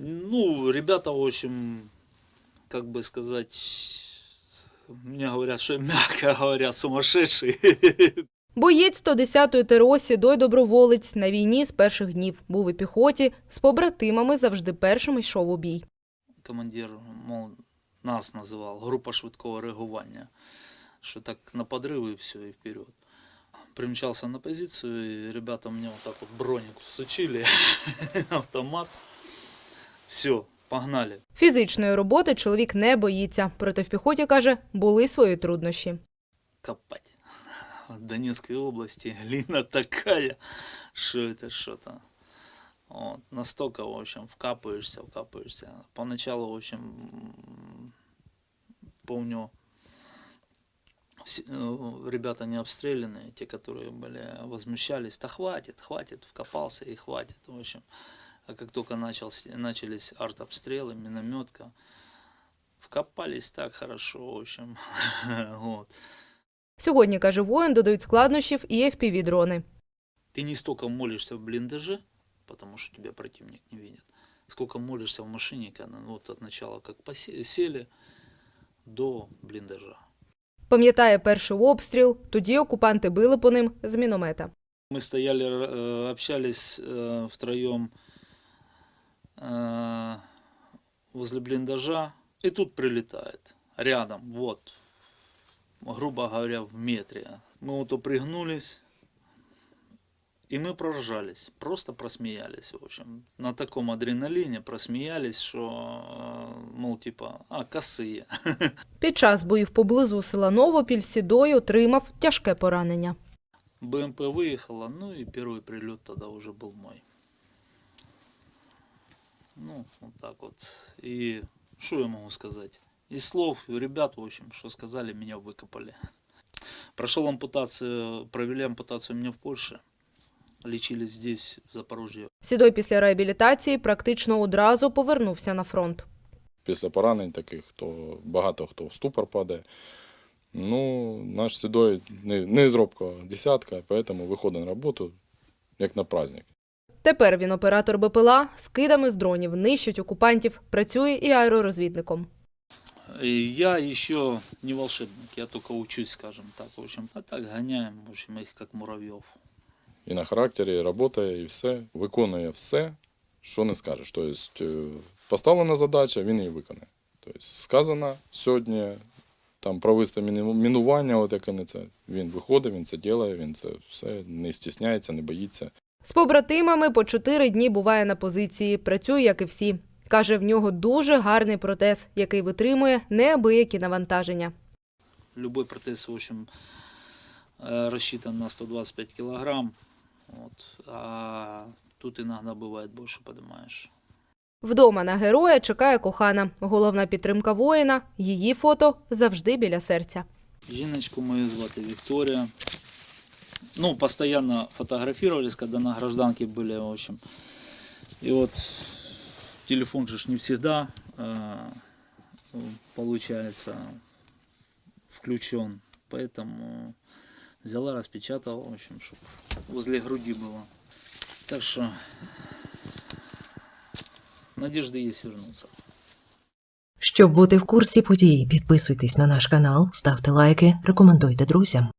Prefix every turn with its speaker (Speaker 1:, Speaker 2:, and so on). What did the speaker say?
Speaker 1: Ну, ребята, в общем, как бы сказать, мне говорят, что мягко говоря, сумасшедшие.
Speaker 2: Боєць 110-ї ТРО Сідой доброволець на війні з перших днів. Був у піхоті, з побратимами завжди першим йшов у бій.
Speaker 1: Командир, мол, нас називав група швидкого реагування, що так на подрив і все, і вперед. Примчался на позицию, и ребята мне вот так вот броник всучили, автомат. Все, погнали.
Speaker 2: Фізичної роботи чоловік не боїться. Проте в піхоті, каже, були свої труднощі.
Speaker 1: Копать. В Донецкой области глина такая, что это что-то. Вот. Настолько, в общем, вкапываешься. Поначалу, в общем, помню, ребята не обстрелянные, те, которые были, возмущались, да хватит, вкопался и хватит, в общем. А как только начались артобстрелы, минометка, вкопались так хорошо, в общем, вот.
Speaker 2: Сьогодні, каже воїн, додають складнощів і FPV-дрони.
Speaker 1: Ты не столько молишься в блиндаже, потому что тебя противник не видит, сколько молишься в машине, когда вот от начала как сели до блиндажа.
Speaker 2: Пам'ятає перший обстріл, тоді окупанти били по ним з міномета.
Speaker 1: Мы стояли, общались втроем возле блиндажа, и тут прилетает рядом, вот, грубо говоря, в метре. Мы вот пригнулись, и мы проржались, просто просмеялись, в общем. На таком адреналине просмеялись, что, мол, типа, косые.
Speaker 2: Під час боїв поблизу села Новопіль Сідой отримав тяжке поранення.
Speaker 1: БМП выехала, ну и первый прилет тогда уже был мой. Ну, вот так вот. И что я могу сказать? Из слов ребят, в общем, что сказали, меня выкопали. Прошел ампутацию, провели ампутацию меня в Польше. Лечились здесь, в Запорожье.
Speaker 2: Сідой після реабілітації практично одразу повернувся на фронт.
Speaker 3: Після поранень таких, то багато хто в ступор падає. Ну, наш Сідой не з робкого десятка, тому виходить на роботу, як на праздник.
Speaker 2: Тепер він оператор БПЛА, з кидами з дронів нищить окупантів, працює і аеророзвідником.
Speaker 1: Я еще не волшебник, я только учусь, скажем так, в общем. А так гоняем, в общем, их как муравьев.
Speaker 3: І на характері, і працює, і все. Виконує все, що не скажеш. Тобто, поставлена задача, він її виконує. Тобто, сказано сьогодні, там провести мінування, от як вони це. Він виходить, він це робить, він це все не стісняється, не боїться.
Speaker 2: З побратимами по 4 дні буває на позиції, працює, як і всі. Каже, в нього дуже гарний протез, який витримує неабиякі навантаження.
Speaker 1: Любой протез, в общем, рассчитан на 125 килограмм. Вот. А тут иногда бывает больше поднимаешь.
Speaker 2: Вдома на героя чекає кохана. Головна підтримка воїна – її фото завжди біля серця.
Speaker 1: Жіночку мою звати Виктория. Ну, постоянно фотографировались, когда на гражданке были, в общем. И вот телефон же не всегда, получается, включен. Поэтому взяла, распечатала, в общем, чтобы возле груди было. Так что надежда есть вернуться.
Speaker 4: Щоб бути в курсі подій, підписуйтесь на наш канал, ставте лайки, рекомендуйте друзям.